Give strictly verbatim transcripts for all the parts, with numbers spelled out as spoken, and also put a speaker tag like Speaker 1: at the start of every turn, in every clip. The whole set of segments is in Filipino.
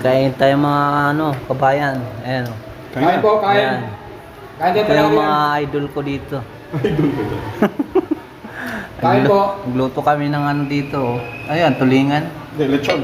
Speaker 1: Kain tayo mga ano, kabayan. Ayan. Oh.
Speaker 2: Kain po, kain.
Speaker 1: Ayan.
Speaker 2: Kain din
Speaker 1: Ito
Speaker 2: tayo
Speaker 1: yung
Speaker 2: yan.
Speaker 1: mga idol ko dito.
Speaker 3: Idol ko ito.
Speaker 2: Kain po.
Speaker 1: Nagluto kami ng ano dito. Oh. Ayan, tulingan.
Speaker 3: Hindi, lechon.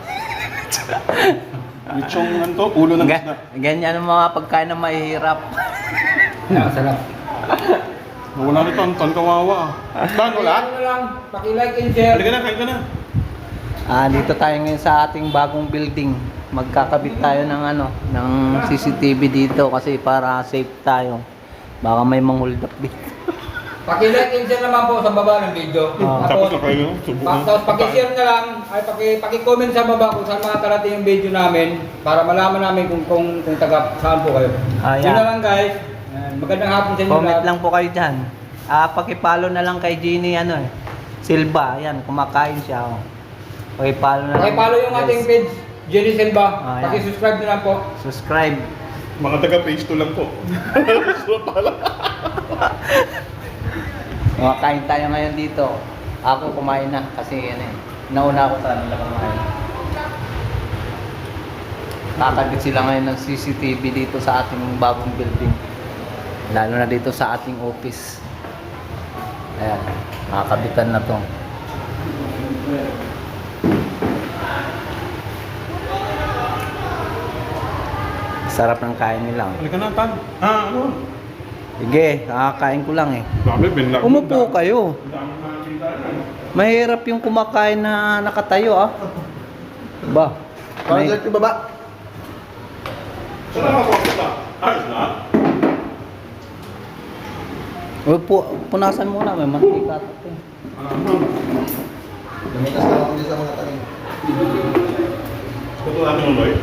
Speaker 3: Lechong ano to? Ulo ng
Speaker 1: Ga-
Speaker 3: isda.
Speaker 1: ganyan ang mga pagkain na mahihirap.
Speaker 2: Ayan, sarap.
Speaker 3: Wala nito, ang tan kawawa. Tan, wala?
Speaker 2: Ano lang, paki-like and share.
Speaker 3: Halika na, kain ka na.
Speaker 1: Ah, dito tayo ngayon sa ating bagong building. Magkakabit tayo ng ano, ng C C T V dito kasi para safe tayo. Baka may mang-hold up dito.
Speaker 2: Paki-like and share naman po sa baba ng video.
Speaker 1: Ah.
Speaker 3: Tapos na kayo, subo
Speaker 2: Pa-
Speaker 3: na.
Speaker 2: Tapos paki-share na lang, ay paki paki-comment sa baba kung saan makakarating yung video namin para malaman namin kung kung, kung taga saan po kayo.
Speaker 1: Ah,
Speaker 2: Yun
Speaker 1: yeah.
Speaker 2: na lang guys. Ayan, magandang hapon sa inyo
Speaker 1: Comment
Speaker 2: lahat.
Speaker 1: lang po kayo dyan. Ah, pakipalo na lang kay Jeannie ano eh. Silva, ayan, kumakain siya. Oh. Pakipalo na lang.
Speaker 2: Paki-follow yung
Speaker 1: guys.
Speaker 2: ating page, Jenny Silva.
Speaker 1: Ah, yan.
Speaker 2: Paki-subscribe na lang po.
Speaker 1: Subscribe.
Speaker 3: Mga taga-page to lang po. So, pala.
Speaker 1: Kumakain tayo ngayon dito. Ako kumain na kasi yan eh. Nauna ako sa nila kumain. Kakabit sila ngayon ng C C T V dito sa ating bagong building. Lalo na dito sa ating office. Ayan, nakakabitan na to. Sarap ng kain nila.
Speaker 3: Halika na, Tan. Ah, ano?
Speaker 1: Sige, kakakain ko lang eh.
Speaker 3: Dami, binlag.
Speaker 1: Umupo kayo.
Speaker 3: Dami nakakita na.
Speaker 1: Mahirap yung kumakain na nakatayo ah. Ba?
Speaker 4: Parang
Speaker 1: May...
Speaker 4: direct yung baba.
Speaker 3: Saan nakakita? Ayos na?
Speaker 1: Uy, pu punasan muna, may mantika ito. eh.
Speaker 4: Lumitas na ako sa mga tanim.
Speaker 3: Ito natin mo, Loy.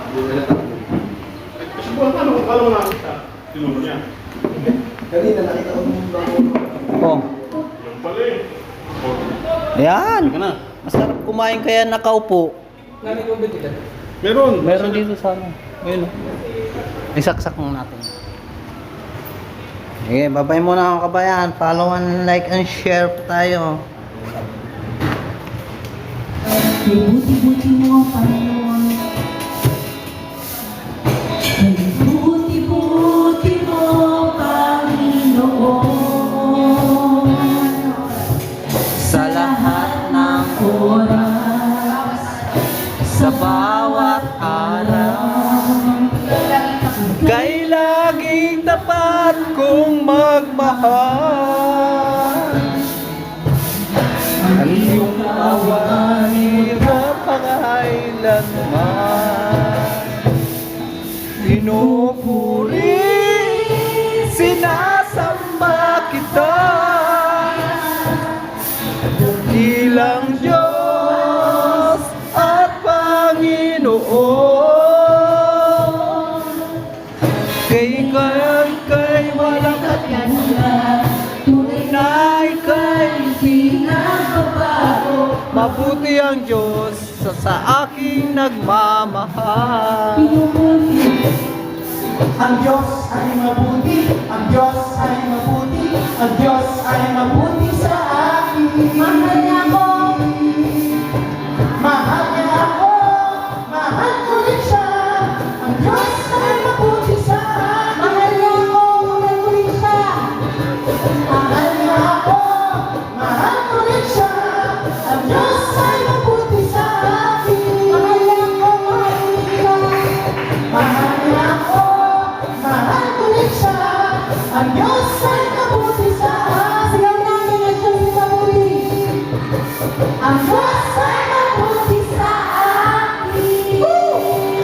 Speaker 3: Kasi buwan ka, kung kala mo nakakita. Tinuro niya.
Speaker 4: Kanina nakita ko yung bako.
Speaker 1: Oh,
Speaker 3: Yung pala eh. Oh,
Speaker 1: ayan.
Speaker 3: halika na.
Speaker 1: Masarap kumain kaya nakaupo.
Speaker 2: Nami ko dito.
Speaker 3: Meron.
Speaker 1: Meron dito sa ano. Ayun. oh. Isaksak mo natin. Sige, babay muna mga kabayan. Follow and like and share po tayo.
Speaker 5: Buti-buti mo, Panginoon. Buti-buti mo, Panginoon.
Speaker 1: Sa lahat ng
Speaker 5: Oras,
Speaker 1: sa bawat araw, kay laging tapat kong magmahal. Ang iyong awa, hirap pangailanman. Pinupuri, sinasamba kita bilang Diyos at Panginoon. Kay kaya't kay walang katulad, tunay kay di nagbabago. Mabuti ang Diyos sa, sa aking nagmamahal.
Speaker 4: Ang Diyos ay mabuti, ang Diyos ay mabuti, ang Diyos ay mabuti sa akin.
Speaker 5: mahal niya ako